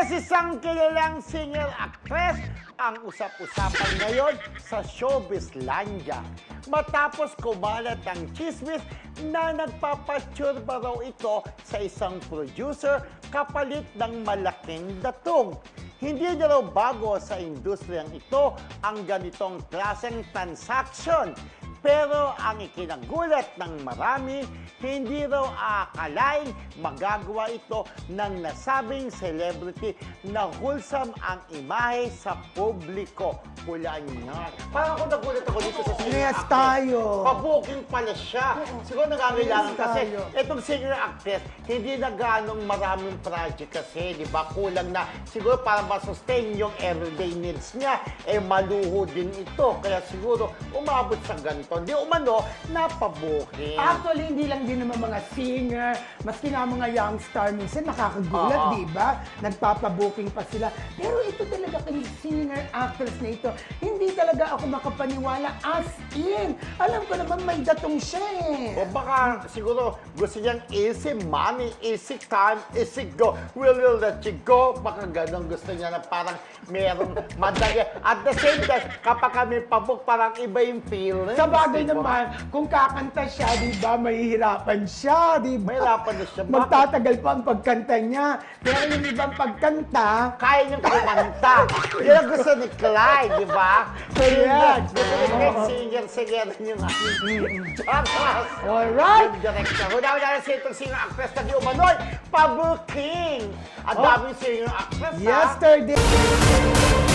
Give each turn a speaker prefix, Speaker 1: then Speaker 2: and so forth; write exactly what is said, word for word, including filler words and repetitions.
Speaker 1: Yes, isang kilalang singer-actress ang usap-usapan ngayon sa showbizlandia. Matapos kumalat ang chismis na nagpapatsurba raw ito sa isang producer kapalit ng malaking datong. Hindi na raw bago sa industriyang ito ang ganitong klaseng transaction. Pero ang ikinagulat ng marami, hindi raw aakalain magagawa ito ng nasabing celebrity na wholesome ang imahe sa publiko. Hulaan niya. Parang ako nagulat ako dito sa singer
Speaker 2: Yes,
Speaker 1: actress.
Speaker 2: tayo.
Speaker 1: Pabooking pala siya. Siguro nangangailangan
Speaker 2: Yes,
Speaker 1: kasi
Speaker 2: tayo.
Speaker 1: itong singer actress, hindi na ganong maraming project kasi, di ba? Kulang na siguro para ma-sustain yung everyday needs niya, eh maluho din ito. Kaya siguro umabot sa ganito. Di umano, napabuking.
Speaker 2: Actually, hindi lang din naman mga singer, maski nga mga young star, minsan nakakagulat,
Speaker 1: Oo.
Speaker 2: di ba? Nagpapabooking pa sila. Pero ito talaga kay singer actress na ito, hindi talaga ako makapaniwala as in. Alam ko naman may datong siya eh.
Speaker 1: O baka siguro gusto niyang easy money, easy time, easy go. Will you let you go? Baka ganun gusto niya na parang merong madali. At the same time, kapag kami pabook, parang iba yung feeling.
Speaker 2: Sa bagay naman, kung kakanta siya, di ba, mahihirapan siya, di ba?
Speaker 1: Mahirapan na siya. Bakit?
Speaker 2: Magtatagal pa ang pagkanta niya. Pero yung ibang pagkanta,
Speaker 1: Kaya niyang kumanta. Yan ang gusto ni Clyde, di ba?
Speaker 2: Correct.
Speaker 1: Gusto ni Clyde, singer-singer yung Chakas.
Speaker 2: alright.
Speaker 1: Yung director. Huna-huna na siya itong singer actress na di umanoy. Pabuking. Ang
Speaker 2: Oh.
Speaker 1: daming singer actress, ha?
Speaker 2: Yesterday.